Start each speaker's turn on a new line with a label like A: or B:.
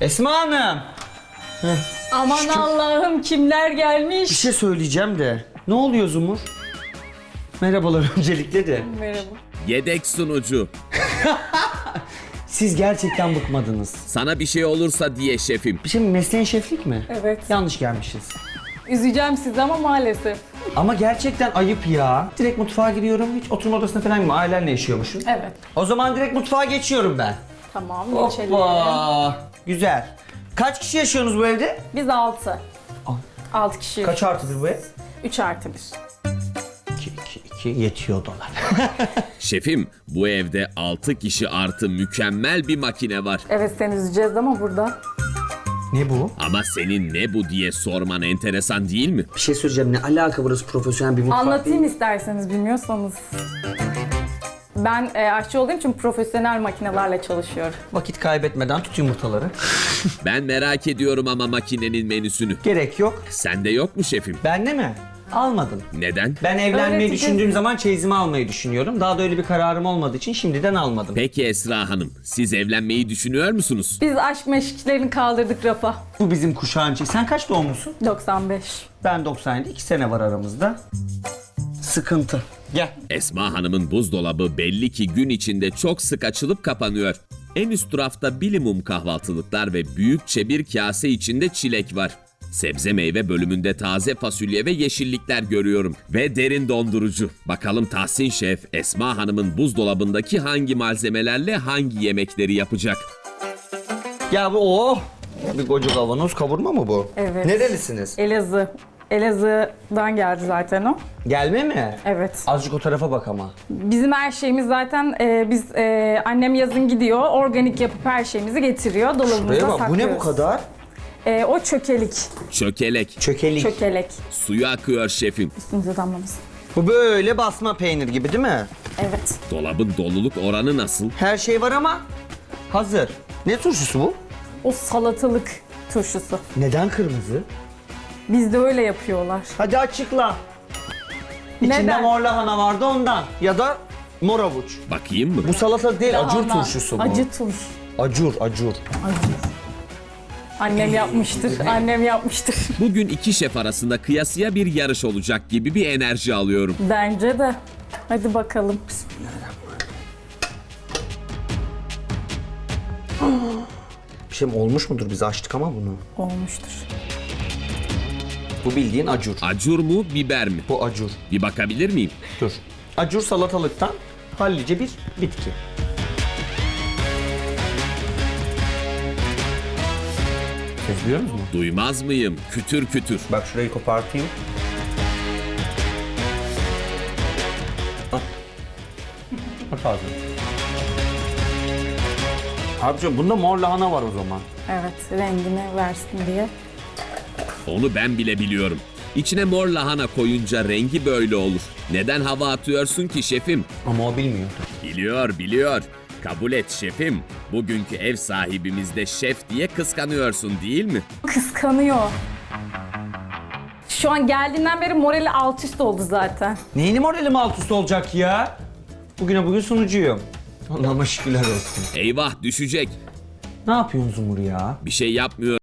A: Esma Hanım.
B: Aman
A: Şükür.
B: Allah'ım kimler
A: Bir
B: gelmiş.
A: şey söyleyeceğim de. Ne oluyor Zumur? Merhabalar öncelikle de.
B: Merhaba.
C: Yedek sunucu.
A: Siz gerçekten bıkmadınız.
C: Sana bir şey olursa diye şefim.
A: Bir şey mi? Mesleğin şeflik mi?
B: Evet.
A: Yanlış gelmişiz.
B: Üzeceğim sizi ama maalesef.
A: Ama gerçekten ayıp ya. Direkt mutfağa giriyorum. Hiç oturma odasına falan mı? Ailenle yaşıyormuşum.
B: Evet.
A: O zaman direkt mutfağa geçiyorum ben.
B: Tamam geçelim.
A: Hoppa. Güzel. Kaç kişi yaşıyorsunuz bu evde?
B: Biz 6.
A: Al.
B: 6 kişi.
A: Kaç artıdır bu ev?
B: 3 artı 1.
A: 2 yetiyor dolar.
C: Şefim, bu evde 6 kişi artı mükemmel bir makine var.
B: Evet seni üzeceğiz ama burada.
A: Ne bu?
C: Ama senin ne bu diye sorman enteresan değil mi?
A: Bir şey söyleyeceğim. Ne alaka burası profesyonel bir mutfak
B: Anlatayım
A: değil.
B: isterseniz bilmiyorsanız. Ben aşçı olduğum için profesyonel makinelerle çalışıyorum.
A: Vakit kaybetmeden tut yumurtaları.
C: Ben merak ediyorum ama makinenin menüsünü.
A: Gerek yok.
C: Sende yok mu şefim?
A: Bende mi? Almadım.
C: Neden?
A: Ben evlenmeyi
B: Öğreteceğiz.
A: düşündüğüm zaman çeyizimi almayı düşünüyorum. Daha da öyle bir kararım olmadığı için şimdiden almadım.
C: Peki Esra Hanım, siz evlenmeyi düşünüyor musunuz?
B: Biz aşk meşklerini kaldırdık rafa.
A: Bu bizim kuşağın çeyizi. Sen kaç doğumlusun?
B: 95.
A: Ben 97. 2 sene var aramızda. Sıkıntı. Gel.
C: Esma Hanım'ın buzdolabı belli ki gün içinde çok sık açılıp kapanıyor. En üst rafta bilimum kahvaltılıklar ve büyükçe bir kase içinde çilek var. Sebze meyve bölümünde taze fasulye ve yeşillikler görüyorum. Ve derin dondurucu. Bakalım Tahsin Şef, Esma Hanım'ın buzdolabındaki hangi malzemelerle hangi yemekleri yapacak?
A: Ya bu bir koca kavanoz kavurma mı bu?
B: Evet.
A: Nerelisiniz?
B: Elazığ. Elazığ'dan geldi zaten o.
A: Gelme mi?
B: Evet.
A: Azıcık o tarafa bak ama.
B: Bizim her şeyimiz zaten annem yazın gidiyor, organik yapıp her şeyimizi getiriyor. Dolabımızda
A: Buraya bak. Bu
B: saklıyoruz.
A: ne bu kadar?
B: O çökelik.
C: Çökelek.
A: Çökelik.
B: Çökelek.
C: Suyu akıyor şefim.
B: Üstünüze damlamasın.
A: Bu böyle basma peynir gibi değil mi?
B: Evet.
C: Dolabın doluluk oranı nasıl?
A: Her şey var ama hazır. Ne turşusu bu?
B: O salatalık turşusu.
A: Neden kırmızı?
B: Bizde öyle yapıyorlar.
A: Hadi açıkla. İçinde
B: Neden?
A: mor lahana vardı ondan. Ya da mor avuç.
C: Bakayım mı?
A: Bu salata değil, acur
B: Lahana.
A: turşusu bu.
B: Acı turş.
A: Acur, acur.
B: Acı. Annem yapmıştır. Annem yapmıştır.
C: Bugün iki şef arasında kıyasıya bir yarış olacak gibi bir enerji alıyorum.
B: Bence de. Hadi bakalım.
A: Bir şey mi olmuş mudur? Biz açtık ama bunu.
B: Olmuştur.
A: Bu bildiğin acur.
C: Acur mu, biber mi?
A: Bu acur.
C: Bir bakabilir miyim?
A: Dur. Acur salatalıktan hallice bir bitki. Siz biliyor musunuz?
C: Duymaz mıyım? Kütür kütür.
A: Bak şurayı kopartayım. Al. Bak ağzına. Abicim bunda mor lahana var o zaman.
B: Evet, rengini versin diye.
C: Onu ben bile biliyorum. İçine mor lahana koyunca rengi böyle olur. Neden hava atıyorsun ki şefim?
A: Ama o bilmiyor.
C: Biliyor, biliyor. Kabul et şefim. Bugünkü ev sahibimiz de şef diye kıskanıyorsun değil mi?
B: Kıskanıyor. Şu an geldiğinden beri morali alt üst oldu zaten.
A: Neyini moralim alt üst olacak ya? Bugüne bugün sunucuyum. Allah'ıma şükürler olsun.
C: Eyvah düşecek.
A: Ne yapıyorsun Zumur ya?
C: Bir şey yapmıyor.